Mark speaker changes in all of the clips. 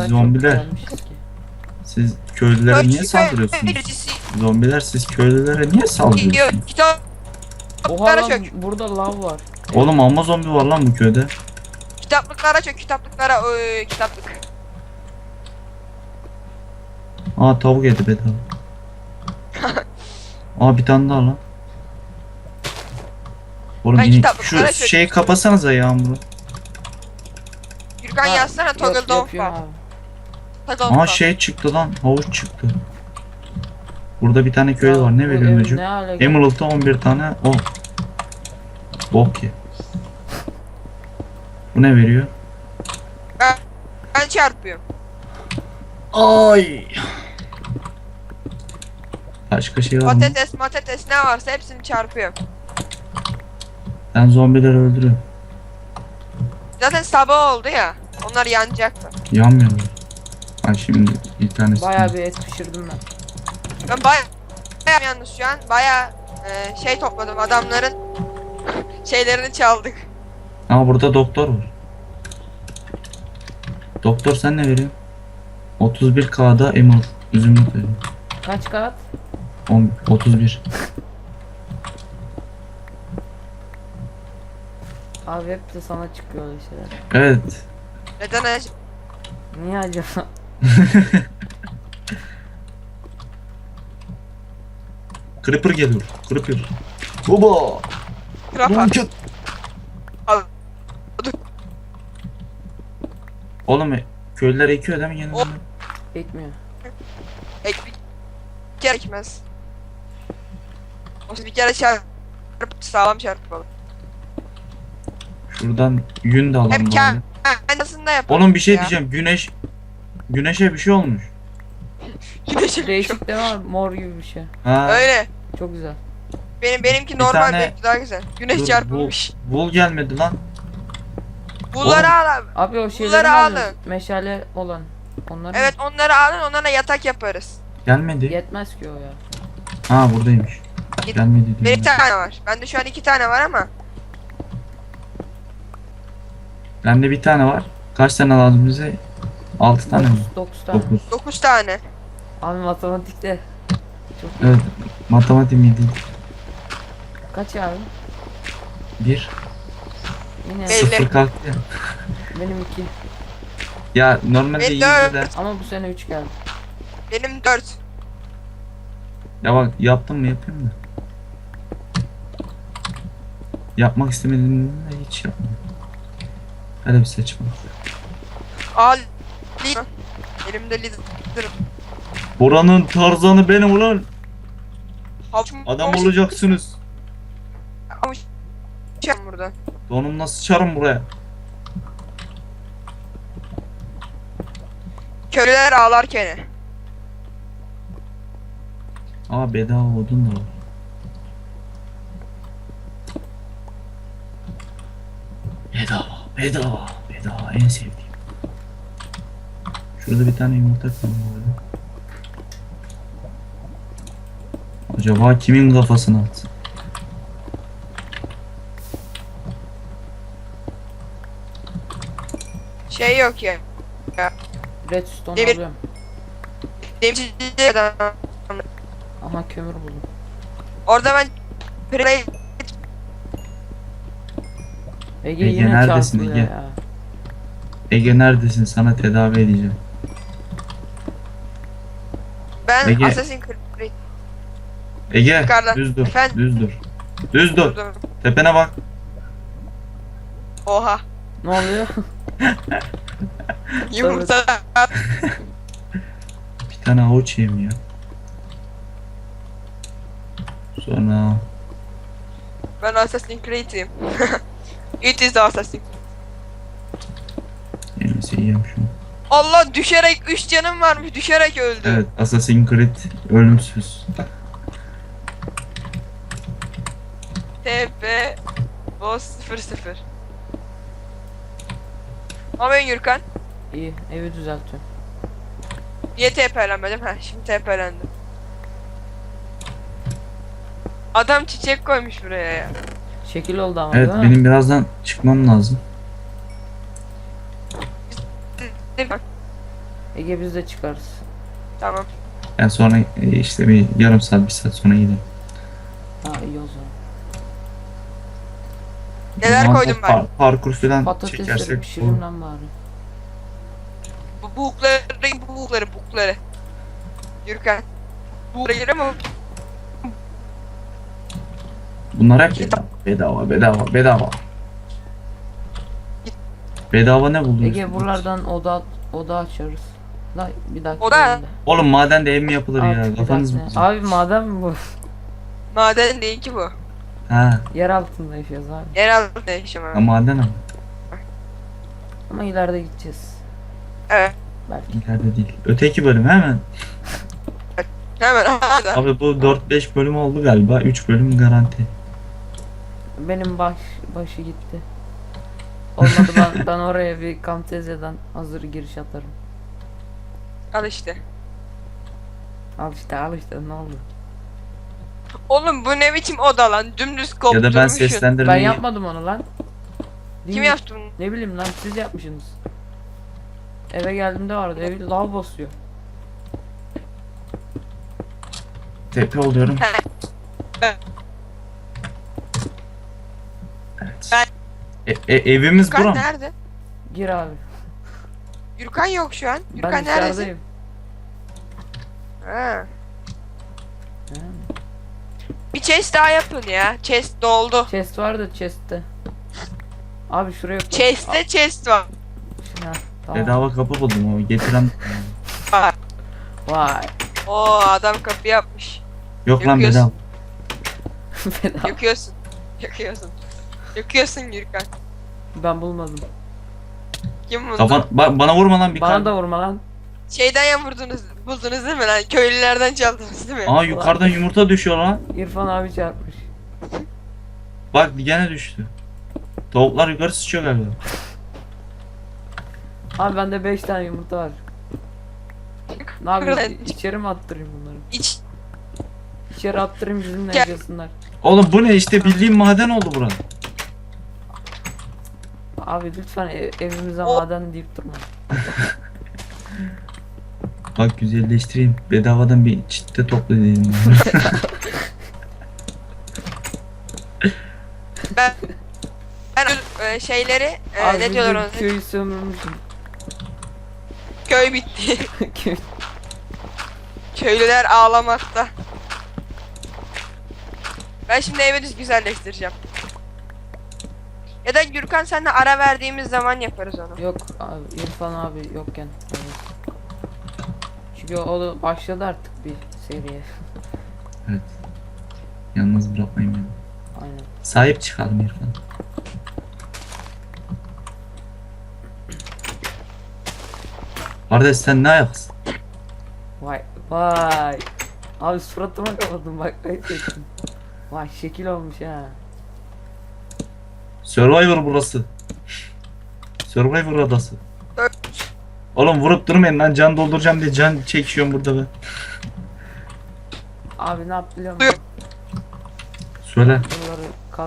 Speaker 1: kadar
Speaker 2: zombiler.
Speaker 1: çok gelmişiz ki.
Speaker 2: Siz köylülere niye saldırıyorsunuz? Zombiler siz köylülere niye saldırıyorsunuz?
Speaker 3: Kitap.
Speaker 1: Oha
Speaker 3: Kitaplara
Speaker 1: lan
Speaker 3: çök.
Speaker 1: burada lav var.
Speaker 2: Oğlum amma zombi var lan bu köyde.
Speaker 3: Kitaplıklara çök. Kitaplıklara. Kitaplık.
Speaker 2: Aa tavuk yedi bedava. Aa bir tane daha lan. Oğlum
Speaker 3: Ben
Speaker 2: yine
Speaker 3: kitaplıklara
Speaker 2: şu
Speaker 3: çök.
Speaker 2: şeyi kapasanıza Yağmur'u.
Speaker 3: Gürkan
Speaker 1: Ha,
Speaker 3: yazsana toggle dog
Speaker 1: yapıyorum
Speaker 3: var.
Speaker 1: abi.
Speaker 3: Toggle
Speaker 2: Aa
Speaker 3: dog.
Speaker 2: şey çıktı lan, havuç çıktı. Burada bir tane köy
Speaker 1: Ya,
Speaker 2: var, ne
Speaker 1: bu
Speaker 2: veriyor
Speaker 1: ev
Speaker 2: çocuk?
Speaker 1: ne hale geldi?
Speaker 2: Emerald'da 11 tane o. Bok ye. Bu ne veriyor?
Speaker 3: Ben çarpıyorum.
Speaker 2: Ay. Başka şey var mı?
Speaker 3: Patates ne varsa hepsini çarpıyorum.
Speaker 2: Ben zombileri öldürüyorum.
Speaker 3: Zaten sabah oldu ya. Onlar yanacaktı.
Speaker 2: Yanmıyorlar. Ay şimdi bir tanesi.
Speaker 1: Bayağı bir et pişirdim ben.
Speaker 3: Ben bayağı yalnız şu an. Bayağı şey topladım. Adamların şeylerini çaldık.
Speaker 2: Aa burada doktor var. Doktor sen ne veriyorsun? 31K'da Emerald. Üzümlük veriyor.
Speaker 1: Kaç kat?
Speaker 2: 31.
Speaker 1: Abi hep de sana çıkıyor öyle şeyler.
Speaker 2: Evet.
Speaker 3: Neden acaba?
Speaker 1: Niye acaba?
Speaker 2: Creeper geliyor. Creeper. Baba.
Speaker 3: Rafa. Al.
Speaker 2: Oğlum köylüler ekiyor değil mi gene?
Speaker 3: O-
Speaker 1: Ekmiyor.
Speaker 3: Bir kere ekmez. O bir kere sağlam çarpalım.
Speaker 2: Şuradan yün de alalım.
Speaker 3: Hep
Speaker 2: bari.
Speaker 3: kendisinde yapalım.
Speaker 2: Oğlum bir şey
Speaker 3: ya.
Speaker 2: diyeceğim. Güneşe bir şey olmuş.
Speaker 3: Güneşim
Speaker 1: Değişik de var mor gibi bir şey.
Speaker 2: Ha.
Speaker 3: Öyle.
Speaker 1: Çok güzel.
Speaker 3: Benimki
Speaker 2: Bir
Speaker 3: normal,
Speaker 2: tane-
Speaker 3: benimki daha güzel. Güneş
Speaker 2: Dur,
Speaker 3: çarpılmış.
Speaker 2: Bul gelmedi lan.
Speaker 3: Bunları
Speaker 2: Oğlum.
Speaker 3: al abi.
Speaker 1: Abi o şeyleri
Speaker 3: Bunları
Speaker 1: alın.
Speaker 3: alın.
Speaker 1: Meşale olan. Onları
Speaker 3: Evet onları alın, onlara yatak yaparız.
Speaker 2: Gelmedi.
Speaker 1: yetmez ki o ya.
Speaker 2: Ha buradaymış.
Speaker 3: Git.
Speaker 2: Gelmedi
Speaker 3: Benim
Speaker 2: diyor.
Speaker 3: bir tane var. Bende şu an 2 tane var ama.
Speaker 2: Bende bir tane var. Kaç tane lazım bize? 6 tane mi?
Speaker 1: 9 tane.
Speaker 2: 9.
Speaker 3: 9 tane.
Speaker 1: Abi matematikte. Çok iyi.
Speaker 2: Evet. Matematik miydi?
Speaker 1: Kaç abi?
Speaker 2: 1.
Speaker 1: Yine
Speaker 3: Belli.
Speaker 2: 0 kalktı ya.
Speaker 1: benim 2.
Speaker 2: Ya normalde
Speaker 3: Benim
Speaker 2: 100
Speaker 3: dört.
Speaker 2: de.
Speaker 1: Ama bu sene 3 geldi.
Speaker 3: Benim 4.
Speaker 2: Ya bak yaptım mı yapayım da. Yapmak istemediğimde hiç yapmadım. Öyle bir seçim.
Speaker 3: Al. Elimde lider.
Speaker 2: Buranın Tarzanı benim ulan.
Speaker 3: Havuç-
Speaker 2: Adam
Speaker 3: havuç-
Speaker 2: olacaksınız.
Speaker 3: havuç- burada.
Speaker 2: Donumla sıçarım buraya.
Speaker 3: Köylüler ağlarken.
Speaker 2: Aa bedava odun da var. Bedava en sevdiğim. Şurada bir tane yumurta kaldı böyle. Acaba kimin kafasına atsın?
Speaker 3: Şey yok ya.
Speaker 1: Redstone
Speaker 3: Demir-
Speaker 1: alıyorum.
Speaker 3: Demirci adam.
Speaker 1: Aha kömür buldum.
Speaker 3: Orada ben play
Speaker 1: Ege
Speaker 2: Ege
Speaker 1: yine
Speaker 2: neredesin
Speaker 1: çarpılıyor
Speaker 2: Ege?
Speaker 1: ya.
Speaker 2: Ege neredesin? Sana tedavi edeceğim.
Speaker 3: ben
Speaker 2: Ege.
Speaker 3: Assassin's Creed
Speaker 2: Ege
Speaker 3: Yukarıda.
Speaker 2: düz dur.
Speaker 3: Efendim?
Speaker 2: Düz dur. Düz dur.
Speaker 3: durdum.
Speaker 2: Tepene bak.
Speaker 3: Oha.
Speaker 1: Ne oluyor?
Speaker 3: Yumurta.
Speaker 2: Bir tane havuç yiyeyim ya. Sonra
Speaker 3: Ben Assassin's Creed'im. It is the Assassin.
Speaker 2: neyse yiyeyim şunu.
Speaker 3: Allah düşerek 3 canım varmış düşerek öldü.
Speaker 2: Evet, Assassin's Creed ölümsüz.
Speaker 3: TP Boss 00. Ama Gürkan.
Speaker 1: İyi evi düzeltiyorum.
Speaker 3: Niye TP'lenmedim? Ha şimdi TP'lendim. Adam çiçek koymuş buraya ya.
Speaker 1: Şekil oldu ama
Speaker 2: Evet,
Speaker 1: değil mi?
Speaker 2: benim birazdan çıkmam lazım.
Speaker 1: Ege biz de çıkarız.
Speaker 3: Tamam.
Speaker 2: Yani sonra işte bir yarım saat, bir saat sonra gidelim.
Speaker 1: Ha iyi o zaman.
Speaker 3: Neler
Speaker 2: O zaman
Speaker 3: koydum
Speaker 2: da
Speaker 3: ben?
Speaker 2: Parkur falan
Speaker 1: Patatesleri
Speaker 2: çekersek
Speaker 1: pişireyim lan bari.
Speaker 3: Bu bukları. Yürüken. Bukları ama
Speaker 2: bunlar hep bedava. Bedava ne buluyorsun?
Speaker 1: Ege buralardan oda açarız. La bir dakika.
Speaker 3: Oda?
Speaker 1: bölümde.
Speaker 2: Oğlum madende ev mi yapılır
Speaker 1: Abi,
Speaker 2: ya?
Speaker 1: bir
Speaker 2: Kafanız mı?
Speaker 1: dakika. Abi maden mi bu?
Speaker 3: maden değil ki bu.
Speaker 2: Ha,
Speaker 1: Yer altında yaşıyoruz abi.
Speaker 3: Yer altında yaşam
Speaker 2: ha
Speaker 3: abi.
Speaker 2: maden ama.
Speaker 1: Ama ileride gideceğiz.
Speaker 3: Evet.
Speaker 1: Belki.
Speaker 2: İleride değil. Öteki bölüm hemen.
Speaker 3: Hemen hadi.
Speaker 2: Abi bu 4-5 bölüm oldu galiba. 3 bölüm garanti.
Speaker 1: Benim başı gitti. Olmadı ben oraya bir Camtasia'dan hazır giriş atarım.
Speaker 3: Al işte.
Speaker 1: Al işte ne oldu?
Speaker 3: Oğlum bu ne biçim oda lan? Dümdüz
Speaker 2: Ya
Speaker 3: kopturmuşsun.
Speaker 2: da ben
Speaker 1: Ben
Speaker 2: seslendirmeyi...
Speaker 1: yapmadım onu lan. Değil
Speaker 3: Kim
Speaker 1: mi?
Speaker 3: yaptı bunu?
Speaker 1: Ne bileyim lan siz yapmışsınız. Eve geldiğimde vardı evi lav basıyor.
Speaker 2: TP oluyorum.
Speaker 3: He.
Speaker 2: Evet. Evimiz
Speaker 3: Gürkan
Speaker 2: buram.
Speaker 3: nerede?
Speaker 1: Gir abi.
Speaker 3: Gürkan yok şu an.
Speaker 1: Ben
Speaker 3: Gürkan neredesin?
Speaker 1: dışarıdayım.
Speaker 3: Ha.
Speaker 1: Ha.
Speaker 3: Bir chest daha yapın ya. Chest doldu.
Speaker 1: Chest vardı chest'te. Abi şuraya koy.
Speaker 3: Chest'te chest var.
Speaker 1: Ha, tamam.
Speaker 2: Bedava kapı buldum o. Getiren...
Speaker 1: Vay.
Speaker 3: Oo adam kapı yapmış.
Speaker 2: Yok lan
Speaker 3: Yakıyorsun.
Speaker 2: bedava.
Speaker 1: Bedava.
Speaker 3: Yakıyorsun Gürkan.
Speaker 1: Ben bulmadım.
Speaker 3: Kim buldu?
Speaker 2: Bana vurma lan bir
Speaker 1: Bana
Speaker 2: kalp.
Speaker 1: da vurma lan.
Speaker 3: Şeyden ya buldunuz değil mi lan? Köylülerden çaldınız değil mi?
Speaker 2: Aa yukarıdan yumurta düşüyor lan.
Speaker 1: İrfan abi çarpmış.
Speaker 2: Bak gene düştü. Tavuklar yukarı sıçıyor galiba.
Speaker 1: Abi bende 5 tane yumurta var. Ne yapayım? İçeri mi attırayım bunları?
Speaker 3: İç.
Speaker 1: İçeri attırayım bizimle
Speaker 3: Gel.
Speaker 1: yaşasınlar.
Speaker 2: Oğlum bu ne işte bildiğim maden oldu bura.
Speaker 1: Abi lütfen evimize
Speaker 3: O-
Speaker 1: maden deyip durma.
Speaker 2: Bak güzelleştireyim. Bedavadan bir çitte topla dedim.
Speaker 3: Ben şeyleri
Speaker 1: Abi
Speaker 3: ne diyorlar
Speaker 1: bizim
Speaker 3: ona?
Speaker 1: köyü sömürmüşüm.
Speaker 3: Köy bitti.
Speaker 1: Köy.
Speaker 3: Köylüler ağlamakta. Ben şimdi evi düz güzelleştireceğim. Ya da Gürkan senle ara verdiğimiz zaman yaparız onu.
Speaker 1: Yok abi İrfan abi yokken. Evet. Çünkü o da başladı artık bir seriye.
Speaker 2: Evet. Yalnız bırakmayın beni.
Speaker 1: Aynen.
Speaker 2: Sahip çıkalım İrfan. Kardeş sen ne ayaksın?
Speaker 1: Vay. Abi suratıma kapadım bak ayıp ettim. Vay şekil olmuş ha.
Speaker 2: Survivor burası. Survivor adası. Oğlum vurup durmayın lan, can dolduracağım diye can çekiyorum burada ben.
Speaker 1: Abi ne yap biliyor musun?
Speaker 2: Söyle.
Speaker 1: Bunları kas.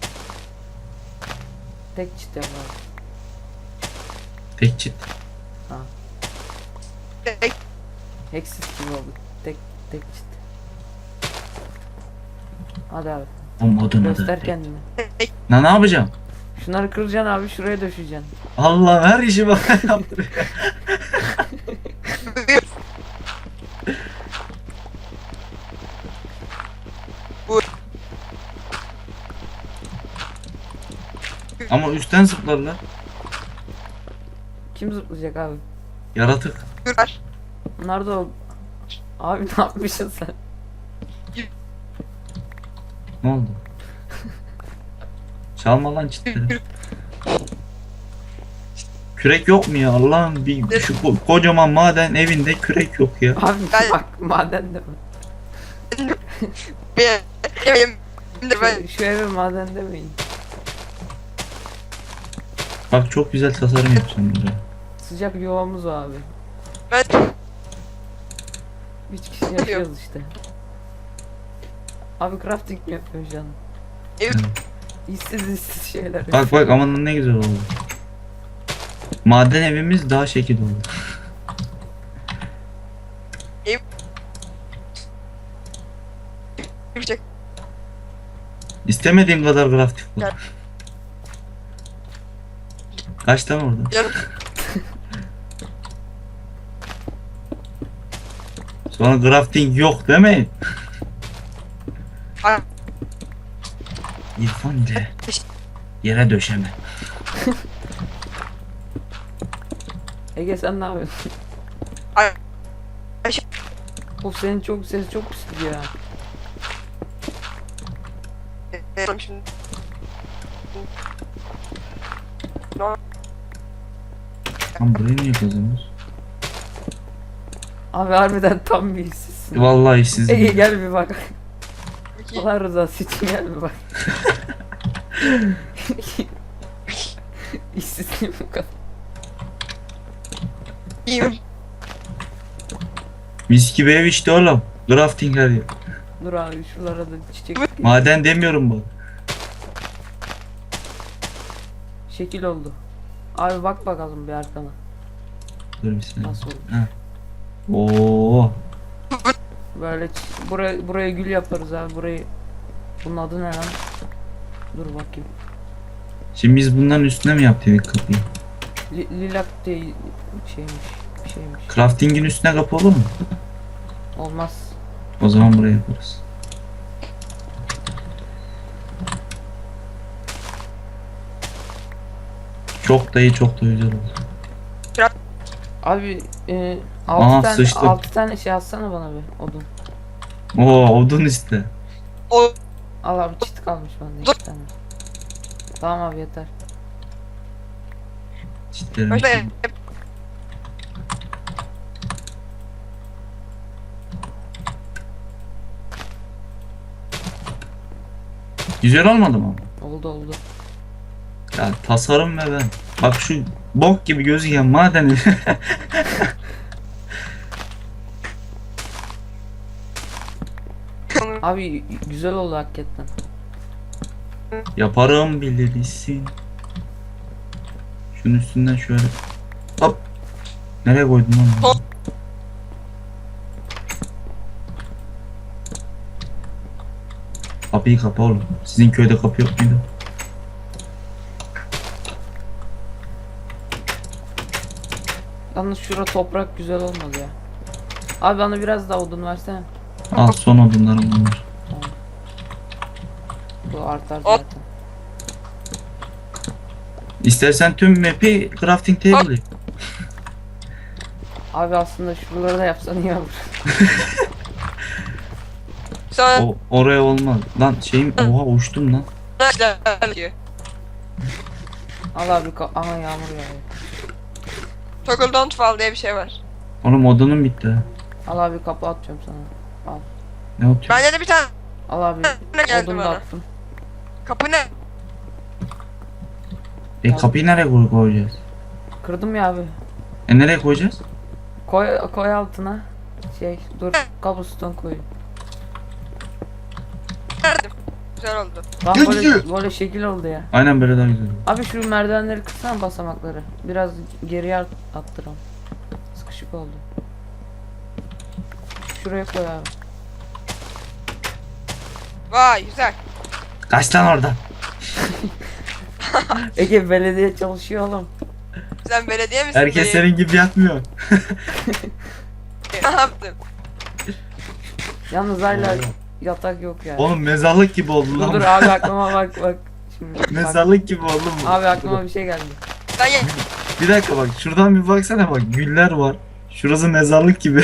Speaker 1: Tek çit yap abi.
Speaker 2: Tek çit.
Speaker 1: Hexis gibi oldu. Tek çit. Hadi abi.
Speaker 2: Oğlum odun
Speaker 1: Göster
Speaker 2: adı.
Speaker 1: kendini.
Speaker 2: Ne yapacağım?
Speaker 1: Şunları kıracaksın abi şuraya döşeceksin.
Speaker 2: Allah her işi bana yaptırıyor. Ama üstten zıplarlar.
Speaker 1: Kim zıplayacak abi?
Speaker 2: Yaratık.
Speaker 3: Gürkan.
Speaker 1: Bunlar da o... Abi ne yapmışsın sen?
Speaker 2: Ne oldu? Çalma lan çitleri. Kürek yok mu ya Allah'ım, bir şu kocaman maden evinde kürek yok ya.
Speaker 1: Abi
Speaker 3: Ben-
Speaker 1: bak maden de mi?
Speaker 3: Benim ben
Speaker 1: Şu eve maden demeyin.
Speaker 2: Bak çok güzel tasarım yapacağım buraya.
Speaker 1: Sıcak yuvamız o abi.
Speaker 3: ben
Speaker 1: 3 kişi yaşıyoruz işte. Abi crafting mi yapıyorsun canım?
Speaker 3: Evet.
Speaker 1: İşsiz şeyler.
Speaker 2: Bak aman ne güzel oldu. Maden evimiz daha şekil oldu.
Speaker 3: Yapacak.
Speaker 2: İstemediğim kadar grafik bu.
Speaker 3: Gel.
Speaker 2: Kaç tane orada?
Speaker 3: Yarım.
Speaker 2: Sonra grafting yok değil mi?
Speaker 3: Ay,
Speaker 2: İrfan ile yere döşeme.
Speaker 1: Ege sen ne yapıyorsun?
Speaker 3: ay,
Speaker 1: Of senin çok ses çok pis gidiyor ya.
Speaker 3: şimdi.
Speaker 2: Lan burayı niye kazanıyoruz?
Speaker 1: Abi harbiden tam bir işsizsin.
Speaker 2: Vallahi siz
Speaker 1: Ege gel bir bak.
Speaker 3: İki.
Speaker 1: Allah rızası için gel bir bak. İşsizliğim bu kadar.
Speaker 3: İyiyim.
Speaker 2: mis gibi ev işte oğlum. Grafting her yer.
Speaker 1: Dur abi şuralara da çiçek
Speaker 2: Maden demiyorum bak.
Speaker 1: şekil oldu. Abi bak bakalım bir arkana.
Speaker 2: Dur bir saniye.
Speaker 1: Nasıl oldu?
Speaker 2: Oo.
Speaker 1: Böyle buraya gül yaparız abi burayı. Bunun adı ne lan? Dur bakayım.
Speaker 2: Şimdi biz bunların üstüne mi yaptık kapıyı?
Speaker 1: Lilak diye şeymiş. Bir şeymiş.
Speaker 2: Crafting'in üstüne kapı olur mu?
Speaker 1: Olmaz.
Speaker 2: O zaman buraya yaparız. Çok da iyi, çok da güzel oldu.
Speaker 1: Abi
Speaker 2: Aha,
Speaker 1: 6 tane
Speaker 2: sıçtık.
Speaker 1: 6 tane şey atsana bana bir odun.
Speaker 2: Oo, odun iste.
Speaker 3: O
Speaker 1: Al abi çit kalmış bende 2 tane. Tamam abi yeter.
Speaker 2: Çitlerim.
Speaker 3: başta
Speaker 2: Güzel olmadı mı?
Speaker 1: Oldu oldu.
Speaker 2: Ya tasarım ve ben. Bak şu bok gibi gözüken madeni.
Speaker 1: Abi güzel oldu hakikaten.
Speaker 2: Yaparım bilirsin. Şunun üstünden şöyle. Hop. Nereye koydun lan? bunu?
Speaker 3: Hop.
Speaker 2: Kapıyı kapa oğlum. Sizin köyde kapı yok muydu?
Speaker 1: Yalnız şura toprak güzel olmadı ya. Abi bana biraz daha odun versene.
Speaker 2: Al son odunlarım bunlar.
Speaker 1: Bu artar
Speaker 3: Hop.
Speaker 1: zaten.
Speaker 2: İstersen tüm map'i crafting table yap.
Speaker 1: Abi aslında şuraları da yapsan iyi olur.
Speaker 3: sonra
Speaker 2: Oraya olmaz. Lan şeyim oha uçtum lan.
Speaker 3: diyor.
Speaker 1: Al abi ama yağmur yağıyor.
Speaker 3: Toggle don't fall diye bir şey var.
Speaker 2: Oğlum odunum bitti ha.
Speaker 1: Al abi kapı atıyorum sana.
Speaker 2: Ne atıyor?
Speaker 3: Bende de bir tane
Speaker 1: Al abi
Speaker 3: geldi
Speaker 1: odun da
Speaker 3: bana.
Speaker 1: attım.
Speaker 3: Kapı ne?
Speaker 2: Kapıyı nereye koyacağız?
Speaker 1: Kırdım ya abi.
Speaker 2: Nereye koyacağız?
Speaker 1: Koy altına. Dur cobblestone koy.
Speaker 3: Verdim. Güzel oldu.
Speaker 1: Tam
Speaker 2: Gel,
Speaker 1: böyle,
Speaker 2: gel.
Speaker 1: böyle şekil oldu ya.
Speaker 2: Aynen böyle daha güzel.
Speaker 1: Abi şu merdivenleri kırsana basamakları. Biraz geriye attıralım. Sıkışık oldu. Şuraya koy abi.
Speaker 3: Vay güzel.
Speaker 2: Kaç lan orada?
Speaker 1: Ege belediye çalışıyor oğlum.
Speaker 3: Sen belediye misin?
Speaker 2: Herkes
Speaker 3: dayı?
Speaker 2: senin gibi yatmıyor.
Speaker 3: Ne yaptım?
Speaker 1: Yalnız hala yatak yok yani.
Speaker 2: Oğlum mezarlık gibi oldu
Speaker 1: Dur
Speaker 2: lan.
Speaker 1: dur abi aklıma bak. Şimdi bak.
Speaker 2: Mezarlık gibi oldu mu?
Speaker 1: Abi aklıma bir şey geldi.
Speaker 3: Ben ye-
Speaker 2: Bir dakika bak şuradan bir baksana bak güller var. Şurası mezarlık gibi.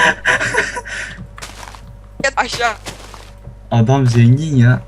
Speaker 3: yat aşağı.
Speaker 2: Adam zengin ya.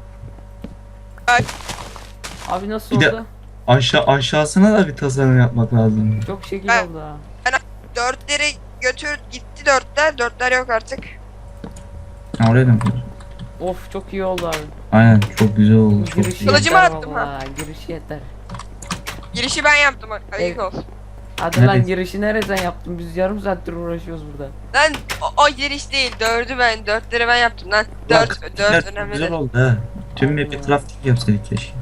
Speaker 1: Abi nasıl
Speaker 2: Bir de-
Speaker 1: oldu?
Speaker 2: Aşağısına da bir tasarım yapmak lazım.
Speaker 1: Çok şekil
Speaker 3: Ben-
Speaker 1: oldu ha.
Speaker 3: Dörtleri götür gitti dörtler. Dörtler yok artık.
Speaker 2: Ha, oraya da mı koyacağız?
Speaker 1: Of çok iyi oldu abi.
Speaker 2: Aynen çok güzel oldu. Çok
Speaker 1: Girişi
Speaker 2: güzel.
Speaker 3: Kılıcımı
Speaker 1: yeter
Speaker 3: attım
Speaker 1: vallahi, girişi yeter.
Speaker 3: Girişi ben yaptım. Ayık
Speaker 1: Evet.
Speaker 3: olsun.
Speaker 1: Hadi lan
Speaker 2: Neresi?
Speaker 1: girişi nereden yaptın? Biz yarım saattir uğraşıyoruz burada.
Speaker 3: Lan o giriş değil. Dörtleri ben yaptım lan. Dört
Speaker 2: Güzel
Speaker 3: önemli değil.
Speaker 2: oldu ha. Tüm map'i crafting yapsaydık keşke.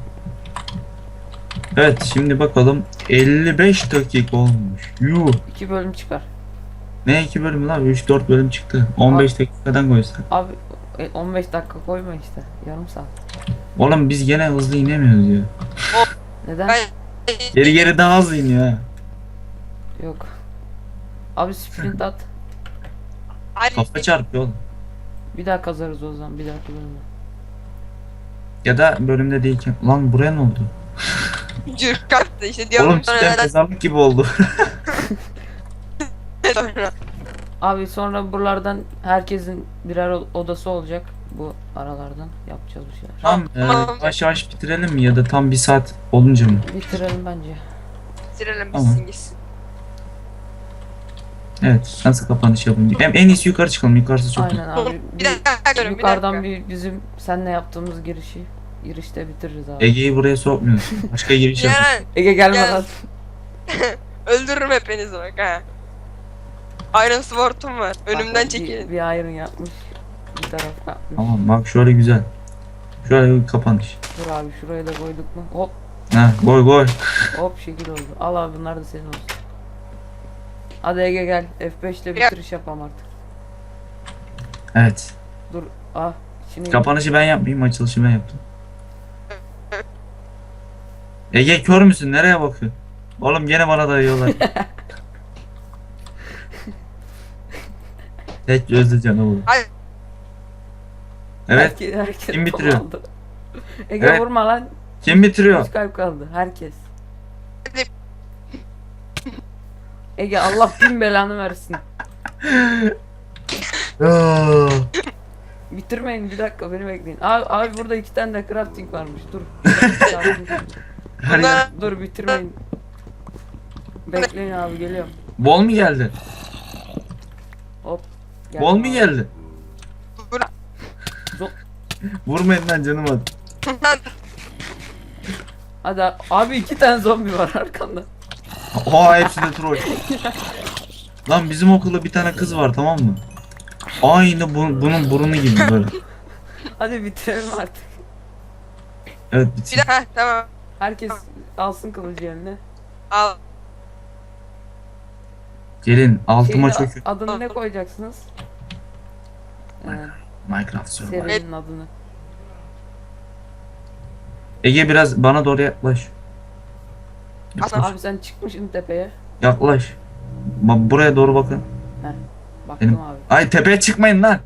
Speaker 2: Evet şimdi bakalım 55 dakika olmuş. Yuh.
Speaker 1: 2 bölüm çıkar.
Speaker 2: Ne 2 bölüm lan? 3-4 bölüm çıktı. 15 dakikadan koysak.
Speaker 1: Abi 15 dakika koyma işte. Yarım saat.
Speaker 2: Oğlum biz gene hızlı inemiyoruz ya.
Speaker 1: Neden?
Speaker 3: Ben
Speaker 2: Geri geri daha hızlı iniyor ha.
Speaker 1: Yok. Abi sprint at.
Speaker 3: Hadi
Speaker 2: Kafa çarpıyor oğlum.
Speaker 1: Bir daha kazarız o zaman. Bir dahaki bölümde.
Speaker 2: Ya da bölümde değilken. Lan buraya ne oldu?
Speaker 3: cırk kalktı işte diyorum
Speaker 2: Oğlum cidden mezarlık gibi oldu.
Speaker 3: sonra.
Speaker 1: Abi sonra buralardan herkesin birer odası olacak. Bu aralardan yapacağız bir şeyler.
Speaker 2: Tamam
Speaker 3: Tamam.
Speaker 2: yavaş yavaş bitirelim mi ya da tam 1 saat olunca mı?
Speaker 1: Bitirelim bence.
Speaker 3: Bitirelim
Speaker 2: Tamam.
Speaker 3: bitsin gitsin.
Speaker 2: Evet nasıl kapanış yapayım? Hem en iyisi yukarı çıkalım, yukarısı çok iyi.
Speaker 1: Aynen abi.
Speaker 3: Bir dakika görün bir
Speaker 1: yukarıdan
Speaker 3: dakika.
Speaker 1: bir bizim seninle yaptığımız girişte bitiririz abi.
Speaker 2: Ege'yi buraya sokmuyoruz. Başka giriş yap.
Speaker 3: Yani
Speaker 1: Ege gelme
Speaker 3: Gel.
Speaker 1: lan.
Speaker 3: öldürürüm hepinizi bak ha. Iron Sword'um var. Önümden
Speaker 1: Bak,
Speaker 3: çekilin.
Speaker 1: Bir iron yapmış. Bir taraf yapmış.
Speaker 2: Tamam bak şöyle güzel. Şöyle bir kapanış.
Speaker 1: Dur abi şuraya da koyduk mu? Hop
Speaker 2: Ha koy.
Speaker 1: hop şekil oldu. Al abi bunlar da senin olsun. Hadi Ege gel. F5 ile
Speaker 3: Ya.
Speaker 1: bitiriş yapalım artık.
Speaker 2: Evet.
Speaker 1: Dur. Ah. Şimdi
Speaker 2: Kapanışı ben yapmayayım, açılışı ben yaptım. Ege kör müsün? Nereye bakıyorsun? Oğlum gene bana dayıyorlar. Tek gözlü canavar.
Speaker 3: Hadi.
Speaker 2: Evet.
Speaker 1: herkes
Speaker 2: Kim bitiriyor?
Speaker 1: aldı. Ege
Speaker 2: Evet.
Speaker 1: vurma lan.
Speaker 2: Kim bitiriyor?
Speaker 1: 3 kalp kaldı. Herkes.
Speaker 3: Hadi.
Speaker 1: Ege Allah bin belanı versin.
Speaker 2: Aa,
Speaker 1: Bitirmeyin bir dakika beni bekleyin. Abi burada 2 tane de crafting varmış. Dur.
Speaker 2: her yer-
Speaker 1: Dur bitirmeyin. Bekleyin abi geliyorum.
Speaker 2: Bol mu geldi?
Speaker 1: Hop.
Speaker 2: Bol mu
Speaker 1: abi.
Speaker 2: geldi?
Speaker 1: Zo-
Speaker 2: Vurmayın lan canım hadi.
Speaker 1: Hadi abi 2 tane zombi var arkanda.
Speaker 2: Oha hepsi de troll. Lan bizim okulda bir tane kız var, tamam mı? Aynı bunun burnu gibi böyle.
Speaker 1: Hadi bitirelim artık.
Speaker 2: Evet
Speaker 3: Bir
Speaker 2: bitsin.
Speaker 3: dakika tamam.
Speaker 1: Herkes alsın kılıcı eline.
Speaker 3: Al.
Speaker 2: Gelin altıma
Speaker 1: Şeyin
Speaker 2: çökün.
Speaker 1: adını ne koyacaksınız?
Speaker 2: Minecraft Survival.
Speaker 1: Serinin adını.
Speaker 2: Ege biraz bana doğru yaklaş. Yaklaş.
Speaker 1: Abi sen çıkmışsın tepeye.
Speaker 2: Yaklaş. Buraya doğru bakın.
Speaker 1: Baktım
Speaker 2: Benim-
Speaker 1: abi.
Speaker 2: Ay tepeye çıkmayın lan.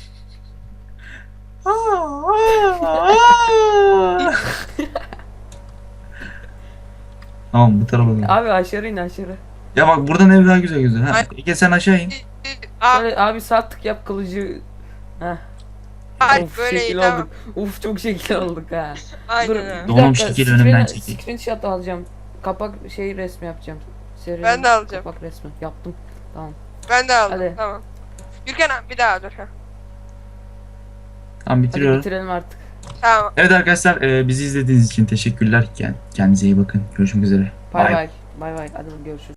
Speaker 2: Tamam bu tarafa doğru.
Speaker 1: Abi aşağı in aşağı.
Speaker 2: Ya bak buradan ev daha güzel gözüküyor. Ha,
Speaker 3: Ay.
Speaker 2: Ege sen aşağı in.
Speaker 3: Al.
Speaker 1: Şöyle abi sağ tık yap kılıcı. Heh.
Speaker 3: Hadi
Speaker 1: Of
Speaker 3: böyle iyi
Speaker 1: şekil
Speaker 3: tamam.
Speaker 1: olduk. Uf çok şekil olduk ha.
Speaker 3: Aynen
Speaker 1: Dur
Speaker 3: öyle.
Speaker 1: bir
Speaker 2: Donum
Speaker 1: dakika,
Speaker 2: şekil önümden
Speaker 1: screen-
Speaker 2: çekil.
Speaker 1: Screenshot alacağım. Kapak resmi yapacağım. Serinin
Speaker 3: Ben de alacağım.
Speaker 1: Kapak resmi yaptım. Tamam.
Speaker 3: Ben de aldım
Speaker 1: Hadi.
Speaker 3: tamam. Gürkan abi bir daha dur. Ha.
Speaker 2: Tamam
Speaker 1: Hadi
Speaker 2: bitiriyorum.
Speaker 1: bitirelim artık.
Speaker 3: Tamam.
Speaker 2: Evet arkadaşlar bizi izlediğiniz için teşekkürler. Kendinize iyi bakın. Görüşmek üzere.
Speaker 1: Bay
Speaker 2: Bye.
Speaker 1: bay. Bay bay. Hadi görüşürüz.